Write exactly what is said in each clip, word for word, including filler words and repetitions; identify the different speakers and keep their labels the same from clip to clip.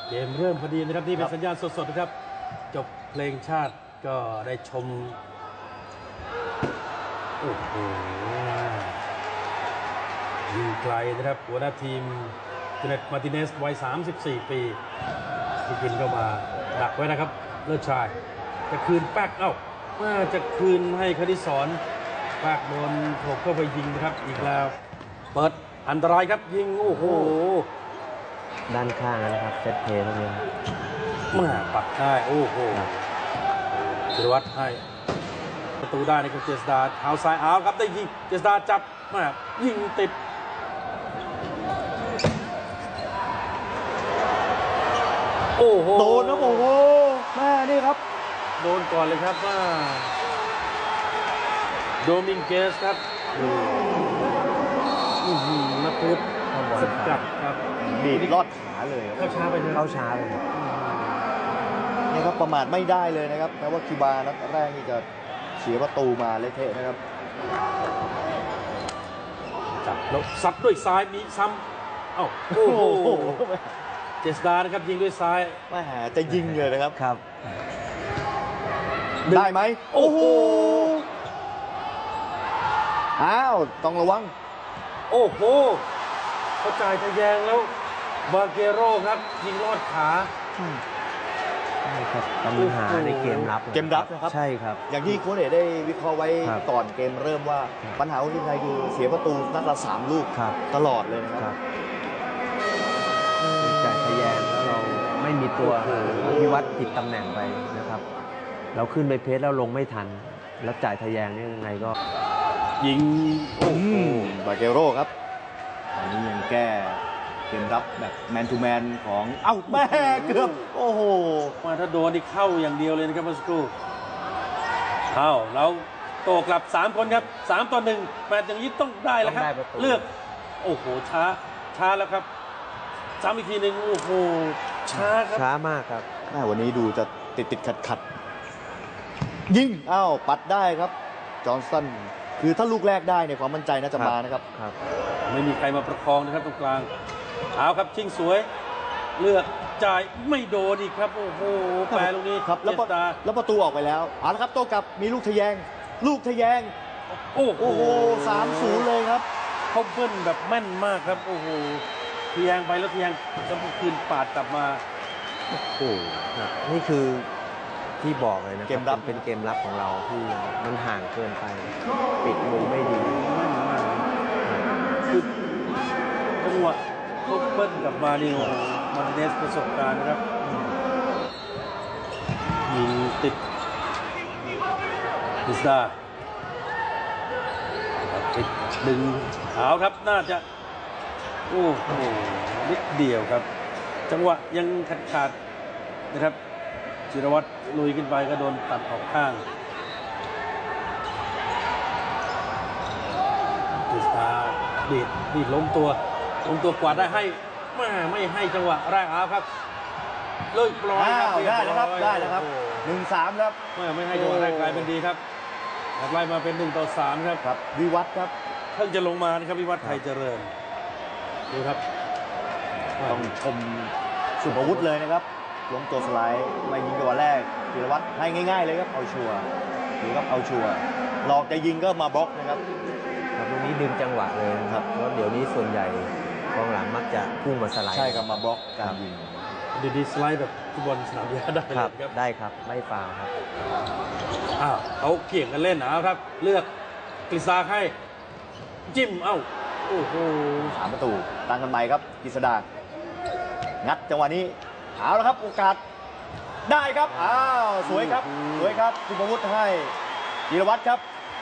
Speaker 1: เกมเริ่มพอดีนะครับนี่เป็นสัญญาณสดๆนะครับจบเพลงชาติก็ได้ชมโอ้โหยิงไกลนะครับหัวหน้าทีมเจเน็ตมาร์ติเนสวัยสามสิบสี่ปีที่กินเข้ามาดักไว้นะครับเลิศชายจะคืนแป๊กเอ้าจะคืนให้คณิสรแป๊กโดนโถกเข้าไปยิงนะครับอีกแล้วเปิดอันตรายครับยิงโอ้โห
Speaker 2: ด้านข้างนะครับเซตเพลย์ตรงนี้
Speaker 1: มาปักได้โอ้โหจิรวัตรให้ประตูได้ในของเจษดาเท้าซ้ายเอาครับได้ยิงเจษดาจับมายิงติดโอ้โห
Speaker 3: โดนนะโอ้โหแม่นี่ครับ
Speaker 1: โดนก่อนเลยครับว่าโดมิงเกสครับนักพุทธสกัดครับ
Speaker 3: บีบลอดขาเลย
Speaker 1: เข้าช้าไปเลย
Speaker 2: เข้าช้าเลย
Speaker 3: นี่ครับประมาทไม่ได้เลยนะครับแม้ว่าคิวบานัดแรกนี่จะเสียประตูมาเละเทะนะครับ
Speaker 1: จับแล้วซัดด้วยซ้ายมีซ้ำเอ้าโอ้โหเจษดานะครับยิงด้วยซ้าย
Speaker 3: ไม่หาจะยิงเลยนะครับ
Speaker 2: ครับ
Speaker 3: ได้ไหมโอ้โหอ้าวต้องระวัง
Speaker 1: โอ้โหเขาจ่ายทะแยงแล้วบาเกโร่ครับยิงลอดขา
Speaker 2: ใช่ครับปัญหาในเกมรับ
Speaker 3: เกมรับนะครับ
Speaker 2: ใช่ครับ
Speaker 3: อย่างที่โค้ชเอกได้วิเคราะห์ไว้ก่อนเกมเริ่มว่าปัญหาของทีมไทยคือเสียประตูนัดละสามลูกตลอดเลยนะครับ
Speaker 2: จ่ายทะแยงแล้วเราไม่มีตัวพิวัตรผิดตำแหน่งไปนะครับเราขึ้นไปเพสแล้วลงไม่ทันแล้วจ่ายทะแยงนี่ยังไงก็
Speaker 1: ยิง
Speaker 3: โอ้โหบาเกโร่ครับอันนี้ยังแก้เกมรับแบบแมนทูแมนของเอ้าแม่เกือบโอ้โห
Speaker 1: มาถ้าโดนนี่เข้าอย่างเดียวเลยนะครับเมื่อสักครู่เข้าแล้วโตกลับสามคนครับสามต่อหนึ่งแมตช์อย่างนี้ต้องได้แล้วครับเลือกโอ้โหช้าช้าแล้วครับซ้ำอีกทีหนึ่งโอ้โหช้าครับ
Speaker 2: ช้ามากครับ
Speaker 3: แม่วันนี้ดูจะติดติดขัดขัดยิงอ้าวปัดได้ครับจอห์นสันคือถ้าลูกแรกได้เนี่ยความมั่นใจน่าจะมานะครับ
Speaker 1: ครับไม่มีใครมาประคองนะครับตรงกลางเอาครับชิงสวยเลือกจ่ายไม่โดนอีกครับโอ้โหแปรลูกนี้
Speaker 3: ครับแล้วแล้วประตูออกไปแล้วเอาละครับโต้กลับมีลูกทะแยงลูกทะแยง
Speaker 1: โอ้โห
Speaker 3: สามศูนย์เลยครับ
Speaker 1: เขาเบิ้ลแบบแม่นมากครับโอ้โหทะแยงไปแล้วทะแยงจะคืนปาดกลับมา
Speaker 2: โอ้โหนี่คือที่บอกเลยนะเกมรับเป็นเกมรับของเราที่มันห่างเกินไปปิดมุมไม่ดี
Speaker 1: คือจังหวะเขาเบิ้ลกลับมานี่โอ้มาร์ติเนสประสบการณ์นะครับยิงติดดิสดาติดดึงเอาครับน่าจะโอ้โหนิดเดียวครับจังหวะยังขาดขาดนะครับจิรวัตรลุยขึ้นไปก็โดนตัดออกข้างดิสดาดีดดีดล้มตัวล้มตัวกวาดได้ให้ไม่ไม่ให้จังหวะแรกเอาครับเลิกปล่อยครับ
Speaker 3: ได้แล้วครับได้แล้วครับหนึ่งสามครับ
Speaker 1: ไม่ไม่ให้จังหวะแรกกลายเป็นดีครับไล่มาเป็นหนึ่งต่อสามครับ
Speaker 3: ครับวิวัฒน์ครับ
Speaker 1: เพิ่งจะลงมานะครับวิวัฒน์ไทยเจริญดูครับ
Speaker 3: ต้องชมสุภวุฒิเลยนะครับล้มตัวสไลด์มายิงตัวแรกธีรวัตรให้ง่ายๆเลยครับเอาชัวร์หรือครับเอาชัวร์หลอกจะยิงก็มาบล็อกนะครับ
Speaker 2: ครับตรงนี้ดึงจังหวะเลยครับเพราะเดี๋ยวนี้ส่วนใหญ่กองหลังมักจะพุ่งมาสไลด์
Speaker 3: ใช่ครับมาบล็อกการยิง
Speaker 1: ดีดีสไลด์แบบฟุตบอลสนามหญ้าได้
Speaker 2: ครับได้ครับไม่ฟาวครับ
Speaker 1: อ้าวเขาเกี่ยงกันเล่นนะครับเลือกกฤษดาให้จิ้มเอ้าโอ้โห
Speaker 3: สามประตูตั้งกันใหม่ครับกฤษดางัดจังหวะนี้เอาละครับโอกาสได้ครับอ้าวสวยครับสวยครับสุภวุฒิให้จิรวัตรครับ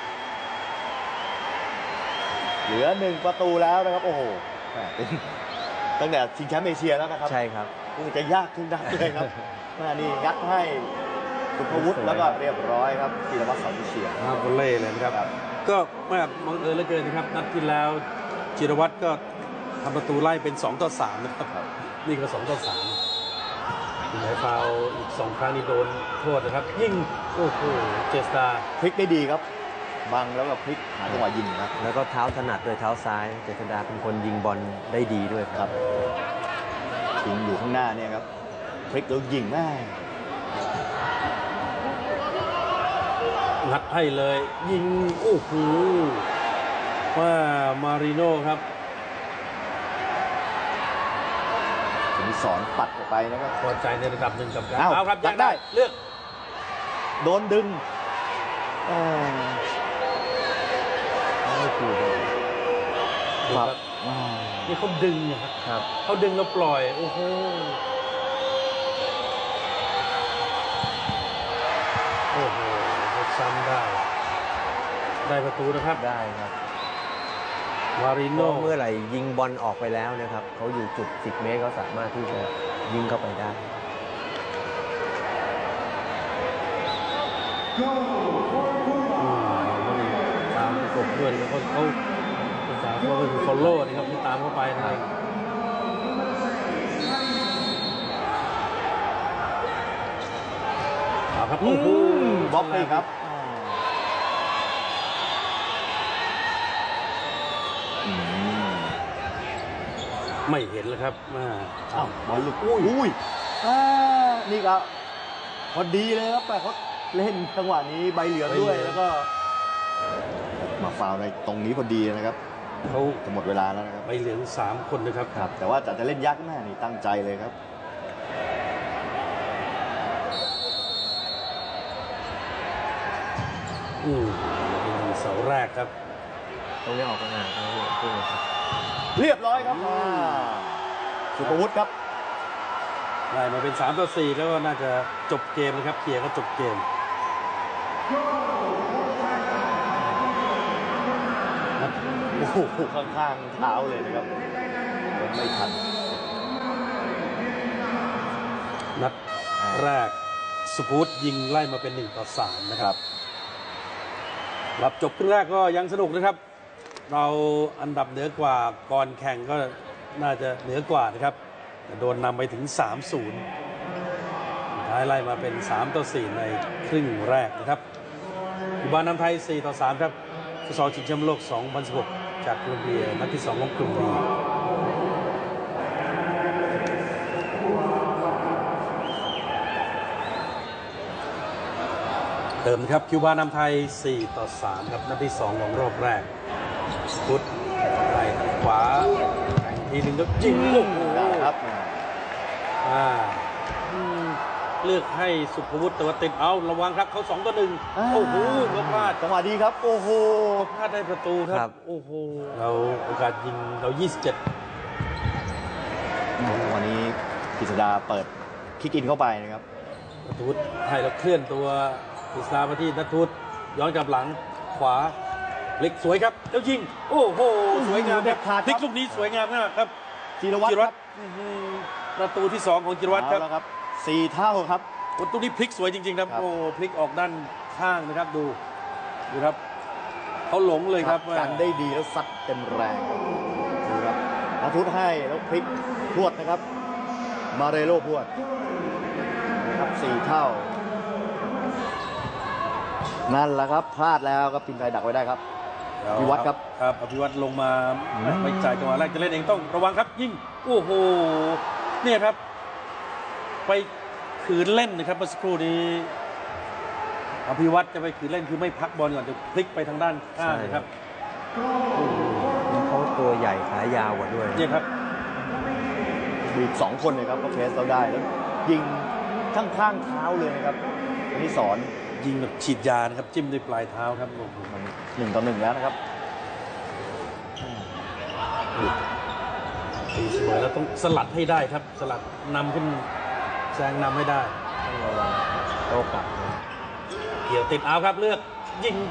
Speaker 3: เหลือหนึ่งประตูแล้วนะครับโอ้โหตั้งแต่ชิงแชมป์เอเชียแล้วนะครับ
Speaker 2: ใช่ครับ
Speaker 3: คงจะยากทุกนัดเลยครับมานี่งัดให้สุภวุฒิแล้วก็เรียบร้อยครับจิรวัตรสอนวิเชียร
Speaker 1: ครับบอลเล่เลยนะครับก็ไม่บังเอิญเหลือเกินนะครับนัดที่แล้วจิรวัตรก็ทำประตูไล่เป็นสองต่อสามนะครับนี่ก็สองต่อสามไหนฟาวอีกสองครั้งนี้โดนโทษนะครับยิ่งโอ้โหเจษดา
Speaker 3: พลิกได้ดีครับบังแล้วก็พลิกหาจังหวะยิงครับ
Speaker 2: แล้วก็เท้าถนัดด้วยเท้าซ้ายเจษดาเป็นคนยิงบอลได้ดีด้วยครับ
Speaker 3: ยิงอยู่ข้างหน้าเนี่ยครับพลิกแล้วยิงแม่
Speaker 1: งัดให้เลย ยิงโอ้โหว่ามาริโน่ครับ
Speaker 3: สมิสรปัดออกไปนะครับ
Speaker 1: พอใจในระดับหนึ่งกับการ
Speaker 3: อ้าว
Speaker 1: เอาครับ
Speaker 3: ยัดได้
Speaker 1: เลือก
Speaker 3: โดนดึงอ่า
Speaker 2: ไม่ถูกเลย
Speaker 1: ดูครับ
Speaker 3: อ่า
Speaker 1: นี่เขาดึงนะครับ
Speaker 2: ครับ
Speaker 1: เขาดึงแล้วปล่อย โอ้โหโอ้โหซ้ำได้ ได้ประตูนะครับ
Speaker 2: ได้ครับ
Speaker 1: มาริ
Speaker 2: เพ
Speaker 1: โน่
Speaker 2: ราะเมื่อไหร่ยิงบอลออกไปแล้วนะครับเขาอยู่จุดสิบเมตรเขาสามารถที่จะยิงเข้าไปได้
Speaker 1: อืมตามประกบด้วยแล้วก็เขาภาษาเขาเป็น follow นะครับที่ตามเข้าไปนั่นเองเอาครับ
Speaker 3: โอ้
Speaker 1: โอ้
Speaker 3: โห
Speaker 1: โห
Speaker 3: บล็อกเลยครับอืม
Speaker 1: ไม่เห็นแล้วครับมา
Speaker 3: อ้าวบอลหลุดอุ้ยอุ้ยอ่านี่ครับพอดีเลยครับแต่เขาเล่นจังหวะนี้ใบเหลืองด้วยแล้วก็ มาฟาวล์ในตรงนี้พอดีนะครับ
Speaker 1: เขา
Speaker 3: จะหมดเวลาแล้วนะครับ
Speaker 1: ใบเหลืองสามคนนะครับ
Speaker 3: ครับ แต่ว่าจะจะเล่นยักษ์หน้านี่ตั้งใจเลยครับ
Speaker 1: อืมเป็นเสาแรกครับ
Speaker 2: ตรงนี้ออกกำลังกายครับ
Speaker 3: เรียบร้อยครับอ่าสุภวุฒิครับ
Speaker 1: ได้มาเป็นสามต่อสี่แล้วก็น่าจะจบเกมนะครับเคลียร์ก็จบเกม
Speaker 3: โอ้โหข้างๆเท้าเลยนะครับยังไม่ทัน
Speaker 1: นัดแรกสุพุทธยิงไล่มาเป็นหนึ่งต่อสามนะครับหลับจบครึ่งแรกก็ยังสนุกนะครับ เราอันดับเหนือกว่าก่อนแข่งก็น่าจะเหนือกว่านะครับแต่โดนนำไปถึง สามศูนย์ ท้ายไล่มาเป็น สามต่อสี่ ในครึ่งแรกนะครับอีบานนำไทย สี่ต่อสาม ครับฟุตซอลชิงแชมป์โลก สองพันสิบหก จากโคลอมเบียนัดที่สองของกลุ่มบีเติมนะครับคิวบานำไทย สี่ต่อสาม ครับนัดที่สองของรอบแรกพุทธไปขวาแข่งทีหนึ่งก็ยิงโอ้โห
Speaker 3: ได้ครับ
Speaker 1: อ่าอืมเลือกให้สุภวุฒิแต่ว่าติดเอาระวังครับเขาสองต่อหนึ่ง
Speaker 3: อ่า
Speaker 1: โอ้โหก็พลาด
Speaker 3: จังหวะดีครับ โอ้โห
Speaker 1: พลาดได้ประตูค
Speaker 2: ครั
Speaker 1: รับ
Speaker 2: บ
Speaker 1: โอ้โหเราโอกาสยิงเรายี่สิบเจ็ด
Speaker 3: วันนี้กิษดาเปิดคิกอินเข้าไปนะครับ
Speaker 1: นัทวุฒิให้เราเคลื่อนตัวอิสลามมาที่นัทวุฒิย้อนกลับหลังขวาเล็กสวยครับแล้วยิงโอ้โหสวยงาม
Speaker 3: เด็ดขาดครับ
Speaker 1: พลิกลูกนี้สวยงามมากครับ
Speaker 3: จิรวัตร
Speaker 1: จิร
Speaker 3: ค
Speaker 1: วั
Speaker 3: รั
Speaker 1: ต
Speaker 3: บ
Speaker 1: รอื้อหือประตูที่สองของจิรวัตรครับ
Speaker 3: เอาแล้วครับสี่เท่าครับ
Speaker 1: ประตูนี้พลิกสวยจริงๆครับ
Speaker 3: ครับ
Speaker 1: โอ้พลิกออกด้านข้างนะครับดูดูครับเขาหลงเลยครับว่า
Speaker 3: กันได้ดีแล้วซัดเต็มแรงดูครับนัทุศให้แล้วพลิกพรวดนะครับ มาเรโลพรวดนะครับสี่เท่า นั่นแหละครับพลาดแล้วครับทีมไทยดักไว้ได้ครับ อภิวัตรครับ
Speaker 1: ครับอภิวัตรลงมาไม่จ่ายจังหวะแรกจะเล่นเองต้องระวังครับยิงโอ้โหเนี่ยครับ ไปขืนเล่นนะครับเมื่อสักครู่นี้อภิวัตรจะไปขืนเล่นคือไม่พักบอลก่อนจะพลิกไปทางด้านข้างนะครับ
Speaker 2: เขาตัวใหญ่ขายาวกว่าด้วย
Speaker 1: เนี่ยครับ
Speaker 3: บีบสองคนเลยครับก็เพรสเราได้แล้วยิงข้างข้างๆเท้าเลยนะครับอันนี้สอน
Speaker 1: ยิงแบบฉีดยานะครับจิ้มด้วยปลายเท้าครับโอ้โห
Speaker 3: มันหนึ่งต่อหนึ่งแล้วนะครับ
Speaker 1: ตีเสมอแล้วต้องสลัดให้ได้ครับ สลัดนำขึ้นแซงนำให้ได้
Speaker 2: ต้องระวังโต้กลับนะ
Speaker 1: เกี่ยวติดเอาครับเลือกยิง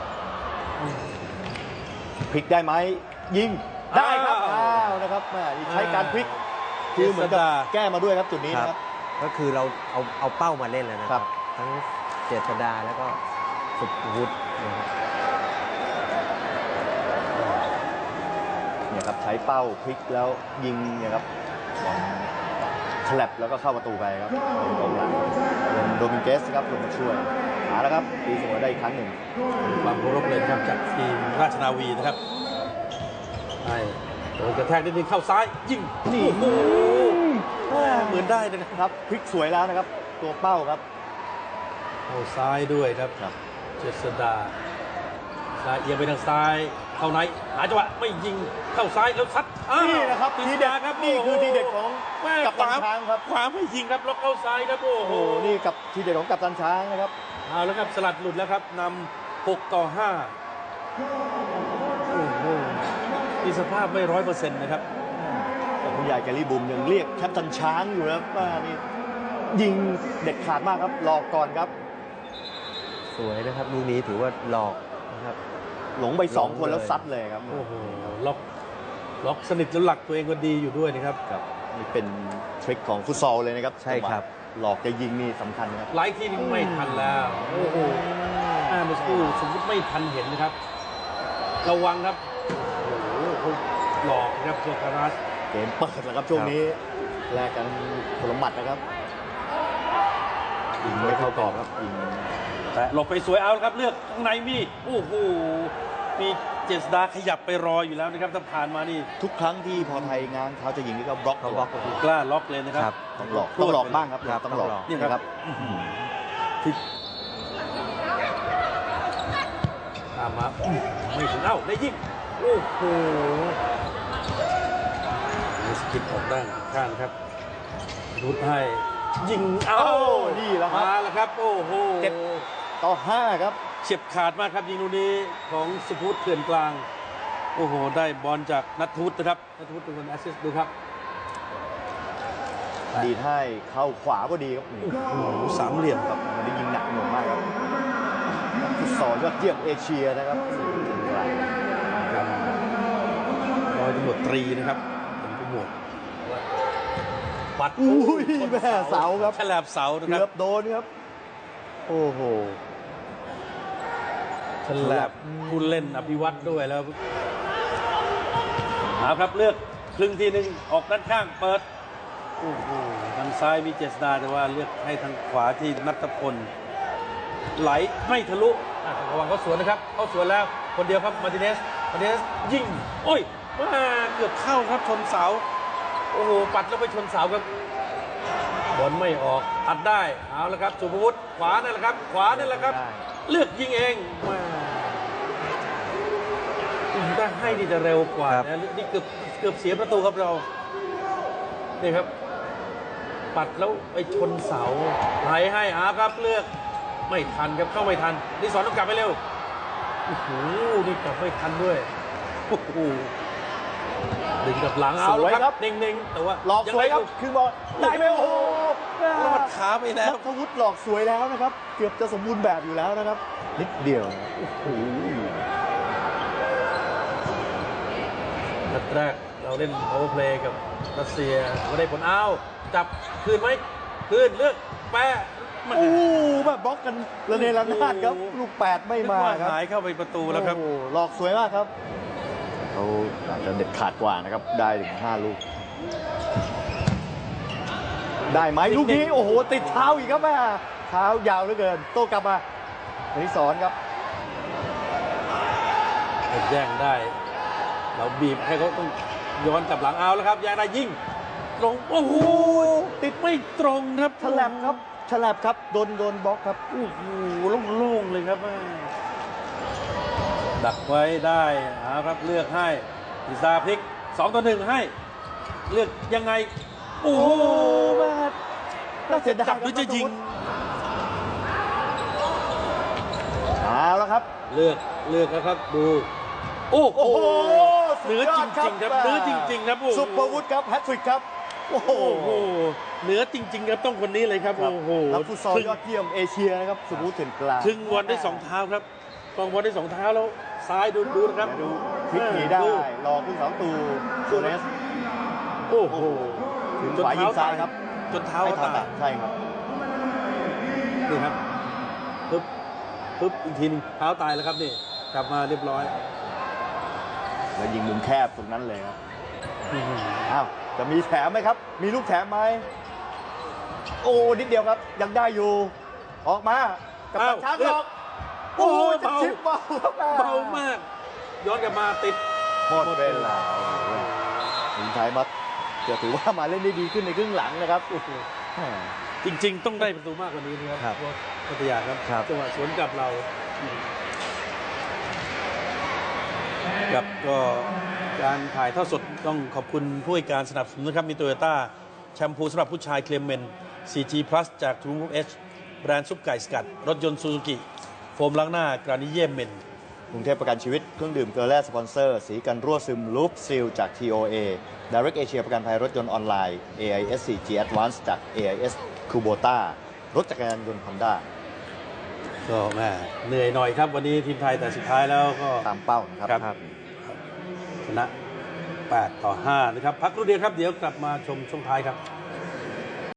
Speaker 3: พลิกได้ไหมยิงได้ครับ
Speaker 1: อ้าว
Speaker 3: อ้าวนะครับแม่นี่ใช้การพลิกคือเหมือนกับแก้มาด้วยครับจุดนี้
Speaker 2: ครับ
Speaker 3: นะครับ
Speaker 2: ก็คือเราเอาเอาเป้ามาเล่นแล้วนะค
Speaker 3: ครั
Speaker 2: รับ บ ทั้งเจษดาแล้วก็สุภวุฒินะครับ
Speaker 3: เนี่ยครับใช้เป้าพลิกแล้วยิงเนี่ยครับบอลฉลับแล้วก็เข้าประตูไปครับเป็นกองหลังเป็นโดมิงเกสครับลงมาช่วยหาแล้วครับตีเสมอได้อีกครั้งหนึ่ง
Speaker 1: ความเคารพเลยนะครับจากทีมราชนาวีนะครับให้โดนกระแทกนิดนึงเข้าซ้ายยิงนี่โอ้โหเหมือนมือนได้นะครับ
Speaker 3: ครับพลิกสวยแล้วนะครับ ตัวเป้าครับ
Speaker 1: เข้าซ้ายด้วยครับ
Speaker 3: ครับ
Speaker 1: เจษดาซ้ายเอียงไปทางซ้ายเข้าในหาจังหวะไม่ยิงเข้าซ้ายแล้วซัดอ้าว
Speaker 3: นี่นะครับ
Speaker 1: กฤ
Speaker 3: ที
Speaker 1: ษ
Speaker 3: เด็ด
Speaker 1: ดาครับ
Speaker 3: นี่คือ
Speaker 1: โโห
Speaker 3: ทีเด็ดของ
Speaker 1: แม่
Speaker 3: กัปตันช้างครับ
Speaker 1: ขวาไม่ยิงครับแล้วเข้าซ้ายครับโอ้
Speaker 3: โอ้
Speaker 1: โห
Speaker 3: โหนี่กับทีเด็ดของกัปตันช้างนะครับ
Speaker 1: เอาแล้วครับสลัดหลุดแล้วครับนำหกต่อห้าโอ้โหมีสภาพไม่ร้อยเปอร์เซ็นต์นะครับ
Speaker 3: แต่ผู้ใหญ่แกลี่บุมยังเรียกแคปตันช้างอยู่นะครับว่านี่ยิงเด็ดขาดมากครับหลอกก่อนครับ
Speaker 2: สวยนะครับลูกนี้ถือว่าหลอกนะครับ
Speaker 3: หลงไปสอง
Speaker 2: หลง
Speaker 3: คน
Speaker 2: เลย
Speaker 3: แล้วซัดเลยครับ
Speaker 1: โอ้โหล็อกล็อกสนิทแล้วหลักตัวเองก็ดีอยู่ด้วยนะครับ
Speaker 3: ครับนี่เป็นทริคของฟุตซอลเลยนะครับ
Speaker 2: ใช่ครับ
Speaker 3: หลอกจะยิงนี่สำคัญนะครับ
Speaker 1: หลายทีนี่ไม่ทันแล้ว โอ้โหอ่าเมื่อสักครู่สมมติไม่ทันเห็นนะครับ ระวังครับ โอ้โหเขาหลอกนะครับโซคารัส
Speaker 3: เกมเปิดแล้วครับช่วงนี้แลกกันคนละหมัดนะครับยิงไม่เข้ากรอบครับยิง
Speaker 1: แต่หลบไปสวยเอาครับเลือกข้างในมีโอ้โหมีเจษดาขยับไปรออยู่แล้วนะครับถ้าผ่านมานี่
Speaker 3: ทุกครั้งที่พอไทยง้างเท้าจะยิงนี่ก็บล็อก
Speaker 2: เขาบล็อก
Speaker 1: กล้าล็อกเลยนะครับ
Speaker 2: ครับ
Speaker 3: ต้องหลอกต้องหลอกบ้างครับ
Speaker 2: ครับ
Speaker 3: ต้องหลอก
Speaker 2: ต้องหลอก
Speaker 3: นี่นะครับ
Speaker 1: ที่ตามมาอื้อไม่ถึงเอ้าได้ยิงโอ้โหมีสกิดออกด้านข้างครับรุดให้ยิงเอ้า
Speaker 3: โอ้นี่แหละครับ
Speaker 1: มาแล้วครับโอ้โห
Speaker 3: เจ็ด ต่อห้าครับ
Speaker 1: เฉียบขาดมากครับยิงลูกนี้ของสุพุทธเขื่อนกลางโอ้โหได้บอลจากนัทวุฒินะครับนัทวุฒิเป็นคนแอสซิสต์ดูครับ
Speaker 3: ดีดให้เข้าขวาก็ดีครับ
Speaker 1: โอ้โหสามเหลี่ยม
Speaker 3: ครับมันได้ยิงหนักหน่วงมากครับฟุตซอลยอดเยี่ยมเอเชียนะครับ
Speaker 1: ร้อยตำรวจตรีนะครับเป็นผู้หมวดปัด
Speaker 3: อุ้ยแม่เสาครับ
Speaker 1: ฉลบเสานะค
Speaker 3: เกื
Speaker 1: รั
Speaker 3: อ
Speaker 1: บบ
Speaker 3: โดนครับ โอ้โห
Speaker 1: ฉลบผู้เล่นอภิวัตรด้วยแล้วเอาครับเลือกครึ่งทีหนึ่งออกด้านข้างเปิดโอ้โหทางซ้ายมีเจษดาแต่ว่าเลือกให้ทางขวาที่นัทพลไหลไม่ทะลุอ่ะระวังเขาสวนนะครับเขาสวนแล้วคนเดียวครับมาร์ติเนสมาร์ติเนสยิงโอ้ยมาเกือบเข้าครับชนเสาโอ้โหปัดแล้วไปชนเสาครับบอลไม่ออกตัดได้เอาละครับสุภวุฒิขวานั่นแหละครับ ขวานั่นแหละครับ
Speaker 3: ได้
Speaker 1: เลือกยิงเองมาถ้าให้นี่จะเร็วกว่า
Speaker 2: ครับ
Speaker 1: นะนี่เกือบเกือบเสียประตูครับเรานี่ครับ ปัดแล้วไปชนเสาไหลให้อาครับเลือกไม่ทันครับเข้าไม่ทันนี่สอนต้องกลับไปเร็วโอ้โหนี่กลับไม่ทันด้วยโอ้โหดึงกับหลังเอา
Speaker 3: สวย
Speaker 1: แล้ว
Speaker 3: ครับ
Speaker 1: เน่งๆแต่ว่า
Speaker 3: หลอกสวยครับ
Speaker 1: งไง
Speaker 3: คือบอลได้ไหมโอ้โห
Speaker 1: รอดขาไปแล้ว
Speaker 3: นัทวุฒิหลอกสวยแล้วนะครับ เกือบจะสมบูรณ์แบบอยู่แล้วนะครับ นิดเดียวโอ้โห
Speaker 1: นัดแรกเราเล่นโอเวอร์เพลย์กับรัสเซียก็ได้ผลเอาจับคืนไหมคืนเลือกแปะมา
Speaker 3: โอ้แบบบล็อกกันระเนระนาดครับ ลูกแปดไม่มา
Speaker 1: นึกว่
Speaker 3: ครับ
Speaker 1: หายเข้าไปประตูแล้วครับ
Speaker 3: โอ้โหหลอกสวยมากครับเขาอาจจะเด็ดขาดกว่านะครับ ได้ถึงห้าลูก ได้ไหมลูกนี้ โอ้โห ติดเท้าอีกครับแม่เท้ายาวเหลือเกิน โต้กลับมาอนิสรครับ
Speaker 1: แย่งได้ เราบีบให้เขาต้องย้อนกลับหลังเอาแล้วครับแย่งได้ยิงตรงโอ้โหติดไม่ตรงครับ
Speaker 3: ฉลับครับฉลับครับ โดนโดนบล็อกครับ
Speaker 1: โอ้โหโล่งๆเลยครับแม่ดักไว้ได้เอาครับเลือกให้พิซาพลิกสองต่อหนึ่งให้ เลือกยังไง โอ้โห
Speaker 3: แม่น่าเสียดาย
Speaker 1: จับหรือจะยิง
Speaker 3: เอาแล้วครับ
Speaker 1: เลือกเลือกแล้วครับดูโอ้โห
Speaker 3: โอ้โห
Speaker 1: เหนือจริงๆครับเหนือจริงๆครับโอ้โห
Speaker 3: ซุปเปอร์วุฒิครับแฮตทริกครับ โอ้โห
Speaker 1: โอ้โหเหนือจริงๆครับต้องคนนี้เลยครับ
Speaker 3: ครับ
Speaker 1: โอ้โห
Speaker 3: นักฟุตซอลยอดเยี่ยมเอเชียนะครับสุพุทธเถื่อนกลาง
Speaker 1: ถึงบอลได้สองเท้าครับกองบอลได้สองเท้าแล้วซ้ายดูดูนะครับ
Speaker 3: ดูพลิกหนีได้รอขึ้นเสาตูโซเนส
Speaker 1: โอ้โห
Speaker 3: ถึงขวายิงซ้ายครับ
Speaker 1: จนเท้า
Speaker 3: ให้
Speaker 1: ตา
Speaker 3: ทำอ่ะ
Speaker 1: ย
Speaker 3: ใช่ครับ
Speaker 1: นี่ครับปึ๊บปึ๊บอีกทีหนึงเท้าตายแล้วครับนี่กลับมาเรียบร้อย
Speaker 3: แล้วยิงมุมแคบตรงนั้นเลยครับอ้าวจะมีแถมไหมครับ มีลูกแถมไหมโอ้นิดเดียวครับ ยังได้อยู่ ออกมากับตันช้างหลอก
Speaker 1: โอ้โห
Speaker 3: จะ
Speaker 1: เบา
Speaker 3: ชิปเบาครับ
Speaker 1: เบามาก ย้อนกลับมาติด
Speaker 3: หมดเวลาทีมไทยมาจะถือว่ามาเล่นได้ดีขึ้นในครึ่งหลังนะครับโอ้โห
Speaker 1: จริงๆ ต้องได้ประตูมากกว่านี้นะครับ
Speaker 2: ครับ
Speaker 1: พวกพัทยาครับ
Speaker 2: ครับ
Speaker 1: จังหวะสวนกลับเราครับก็การถ่ายทอดสดต้องขอบคุณผู้ให้การสนับสนุนนะครับมีโตโยต้าแชมพูสำหรับผู้ชายเคลมเมน ซี จี Plus จาก True Move H แบรนด์ซุปไก่สกัด รถยนต์ซูซูกิโฟมล้างหน้ากรานิเยมเมน
Speaker 3: กรุงเทพประกันชีวิตเครื่องดื่มเกลือแร่สปอนเซอร์สีกันรั่วซึมลูปซีลจาก ที โอ เอ Direct Asia ประกันภัยรถยนต์ออนไลน์ เอ ไอ เอส ซี จี Advance จาก เอ ไอ เอส Kubota รถจักรยานยนต์ Honda
Speaker 1: ก็แม่เหนื่อยหน่อยครับวันนี้ทีมไทยแต่สุดท้ายแล้วก็
Speaker 3: ตามเป้านะครับ
Speaker 1: ครับ ชนะ แปด ต่อ ห้า นะครับ พักครู่เดียวครับ เดี๋ยวกลับมาชมช่วงท้ายครับ